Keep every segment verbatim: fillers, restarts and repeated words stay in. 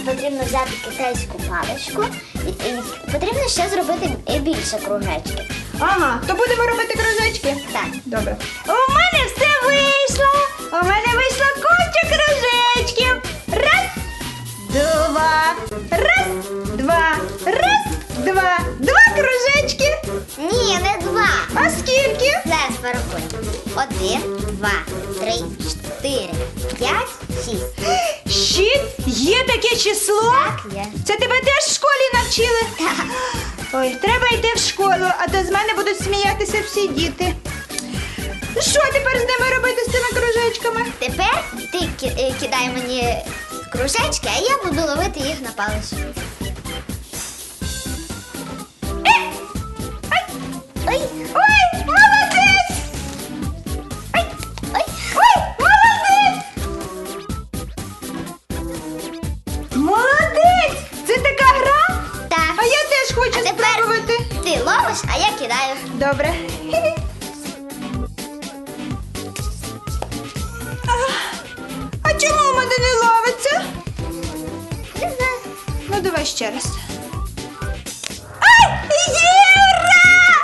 потрібно взяти китайську паличку і, і потрібно ще зробити більше кружечки. Ага, то будемо робити кружечки? Так. Добре. У мене все вийшло! У мене вийшло куча кружечків! Раз, два, раз, два, раз, два. Два кружечки! Ні, не два. А скільки? Зараз порахуємо. Один, два, три, чотири, п'ять, шість. Шість? Є таке число? Так, є. Це тебе теж в школі навчили? Так. Ой, треба йти в школу, а то з мене будуть сміятися всі діти. Що тепер з ними робити, з цими кружечками? Тепер ти ки- е, кидай мені кружечки, а я буду ловити їх на паличку. Ой, Ой, молодець! ой, ой. Ой, молодець! Молодець! Це така гра? Так. А я теж хочу А тепер спробувати. ти ловиш, а я кидаю. Добре. А, а чому в мене не ловиться? Не знаю. Ну, давай ще раз. Ай! Є! Ура!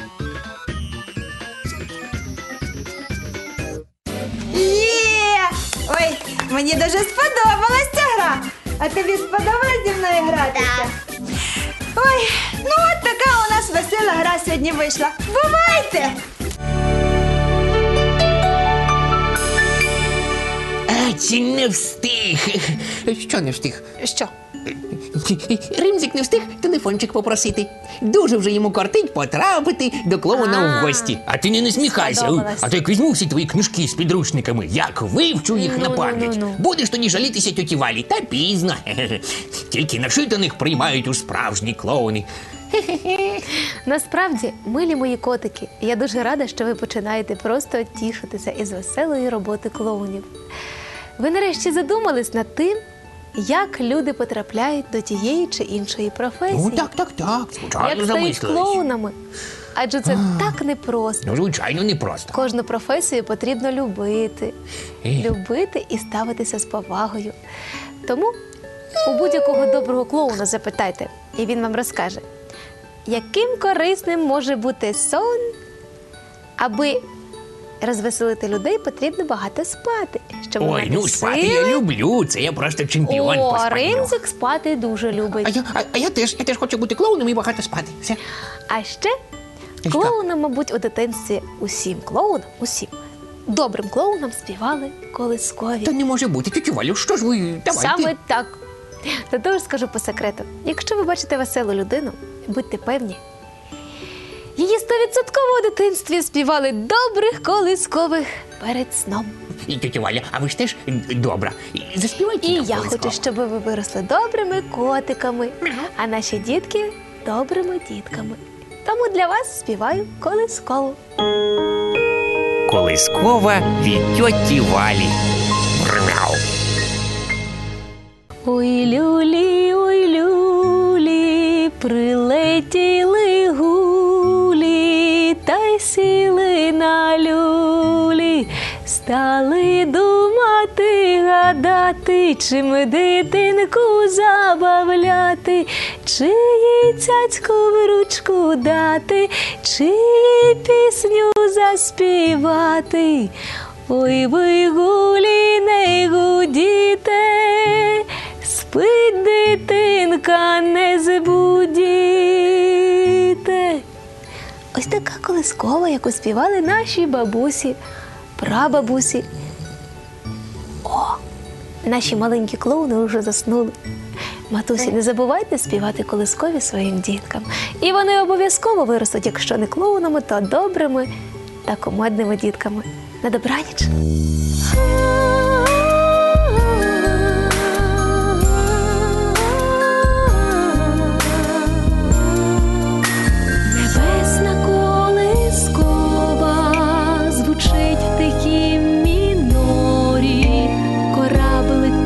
Є! Ой, мені дуже сподобалась ця гра. А тобі сподобалось зі мною гратися? Так. Ой, ну от така у нас весела гра сьогодні вийшла. Бувайте! А, чи не встиг? Що не встиг? Що? Римзик не встиг телефончик попросити. Дуже вже йому кортить потрапити до клоуна А. в гості. А ти не насміхайся, Сподобалось. а то як візьму всі твої книжки з підручниками, як вивчу їх на Ну, ну, пам'ять. ну, ну. Будеш тоді жалітися тьоті Валі, та пізно. Тільки нашитаних приймають у справжні клоуни. Насправді, милі мої котики, я дуже рада, що ви починаєте просто тішитися із веселої роботи клоунів. Ви нарешті задумались над тим, як люди потрапляють до тієї чи іншої професії. Ну так, так, так. Звичайно, як стають замислились. клоунами. Адже це так непросто. Ну, звичайно, непросто. Кожну професію потрібно любити. Е. Любити і ставитися з повагою. Тому у будь-якого доброго клоуна запитайте, і він вам розкаже, яким корисним може бути сон, аби розвеселити людей, потрібно багато спати. Щоб Ой, мати ну спати сили. я люблю, це я просто чемпіон по О, спанню. Римзик спати дуже любить. А я, а, а я теж, я теж хочу бути клоуном і багато спати. Все. А ще що? клоунам, мабуть, у дитинстві усім клоунам, усім добрим клоунам співали колискові. Та не може бути. Тетю Валю, що ж ви, давайте. Саме так. Та тож скажу по секрету. Якщо ви бачите веселу людину, будьте певні, її стовідсотково у дитинстві співали добрих колискових перед сном. І тетя Валя, а ви ж теж добра. І Заспівайте І нам я колисково. хочу, щоб ви виросли добрими котиками, а наші дітки добрими дітками. Тому для вас співаю колискову. Колискова від тьоті Валі. Брмяу. Ой, люлі, ой, люлі, прилетіли гулі, та й сіли на люлі, стали думати, гадати, чим дитинку забавляти, чи їй цяцьку в ручку дати, чи їй пісню заспівати. Ой, ви гулі, не гудіте, спить дитинка, не збудіте. Ось така колискова, яку співали наші бабусі, прабабусі. О, наші маленькі клоуни вже заснули. Матусі, не забувайте співати колискові своїм діткам. І вони обов'язково виростуть, якщо не клоунами, то добрими та комедними дітками. На добраніч! Небесна колискова звучить в тихім мінорі, кораблик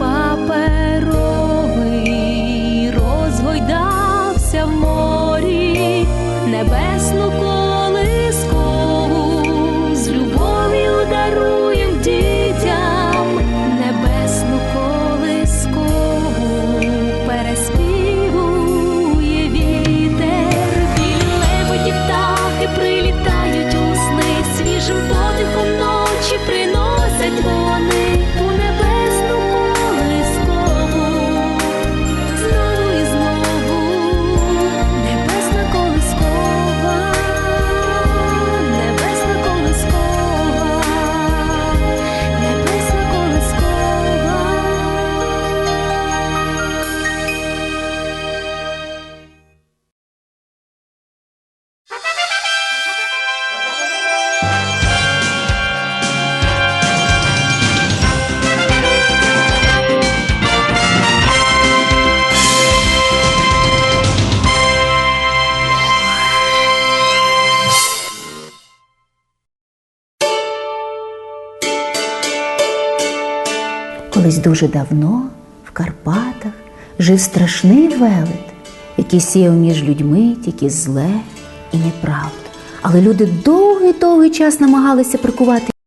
паперовий розгойдався в морі. Небесну колискову з любов'ю даруєм дітям. Дуже давно в Карпатах жив страшний велет, який сіяв між людьми тільки зле і неправду. Але люди довгий-довгий час намагалися прикувати